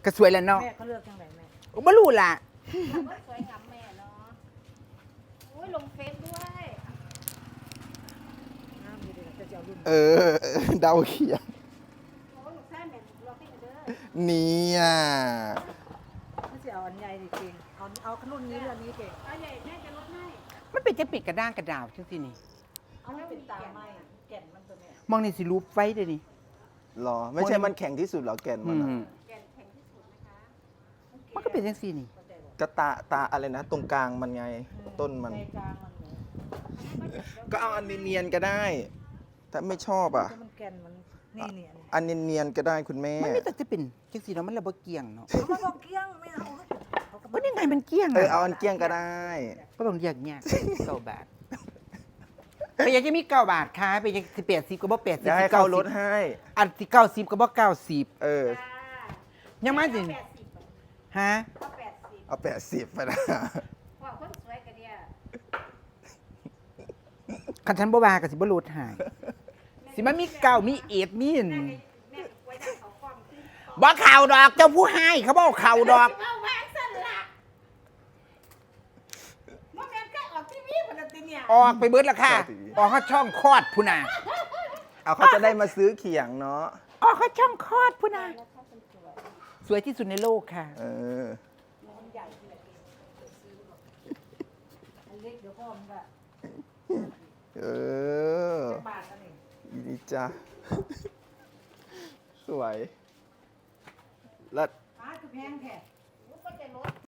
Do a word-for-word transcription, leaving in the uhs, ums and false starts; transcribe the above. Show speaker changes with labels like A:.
A: ก็สวยแล้วเนาะ
B: แม่เขาเลือกจังไหนแม่
A: โอ้บ่รู้ล่ะ
C: สวยงามแม่เนาะโอ้ยลงเฟซด้วย
B: น้ำดีเลยจะเอารุ่น
A: เออเดาเขียน
C: โอ้ยลูกชายแม่รอให้เด้อ
A: เนี่ย
B: ไม่ใช่เอาอันใหญ่ดิเก่งเอาเอาขนุนนี้เรื่องนี้เก่ง
C: เอาใหญ่แม่จะลดให้
A: มันเป็นจะปิดกระด้างกระดาวจังซี่นี่
B: เอาไม่เป็นตาไม้แก่นมันตัวเนี้ย
A: มองนี่สิรูปไฟเด้อนี่
D: หรอไม่ใช่มันแข็งที่สุดหรอแก่น
A: อื
D: มันอะ
A: ม
C: แก่นแข็งที่สุดนะคะ
A: มันก็เป็นจังซี่นี่
D: กระตาตาอะไรนะ ตรงกลางมันไงต้นมัน
B: ใจกลางมันเนี่ย
D: ก็เอาอันเนียนๆก็ได้ ถ้าไม่ชอบอ่ะ
B: ถ้ามันแก่นมันนี่เนี่ย
D: อันเนียนๆก็ได้คุณแม่
A: มันไม่แต่จะเป็นจังซี่เนาะมันระบ่เกี่ยงเนาะ
B: เอามาบอกเกี้ยงไม่เอาเอา
A: ก็ยังไงมันเกี่ยง
D: เออ
A: อะ
D: เอาอันเกลี้ยงก็ได้
A: ก็ต้องเรียกเนี่ยเก้าบาทไปยังจะมีเก้าบาทค่ะไปยังสิแปดสิบก็บ่แปดสิบ
D: เดี๋ยวให้เขาลดให้
A: อันที่เก้าสิบก็บ่เก้าสิบ
D: เออ
A: ยังมาสิ
C: แปดสิบ
A: ฮะ
C: ก็แปดสิบ
D: เอาแปดสิบไปนะ
C: ว่าคนสวยกันเนี่ย
A: คันฉันบ่ว่าก็สิบ่ลดให้สิมันมีเก้ามีเอ็ดมีน
C: แม่แม่ไว้ได้เขากล้องขึ้น
A: บ่เข่าดอกเจ้าผู้ให้เขาบ่เข่าดอก
C: เอาแหวนสั่นละว่าแม่ก็ออกทีวีคนละทีเนี่ย
A: ออกไปเบิดแล้วค่ะ ออกเขาช่องคลอดพุ่นน่ะ
D: เอาเขาจะได้มาซื้อเขียงเนาะ
A: ออกเขาช่องคลอดพุ่นน่ะสวยที่สุดในโลกค่ะ
D: เออ
B: อันเล็กเดี๋ยวพ่อมันก็
D: เออ
B: บาทกันเอง
D: อีนี่จ้าสวย แล้ว
B: อ้าคือแพงแท้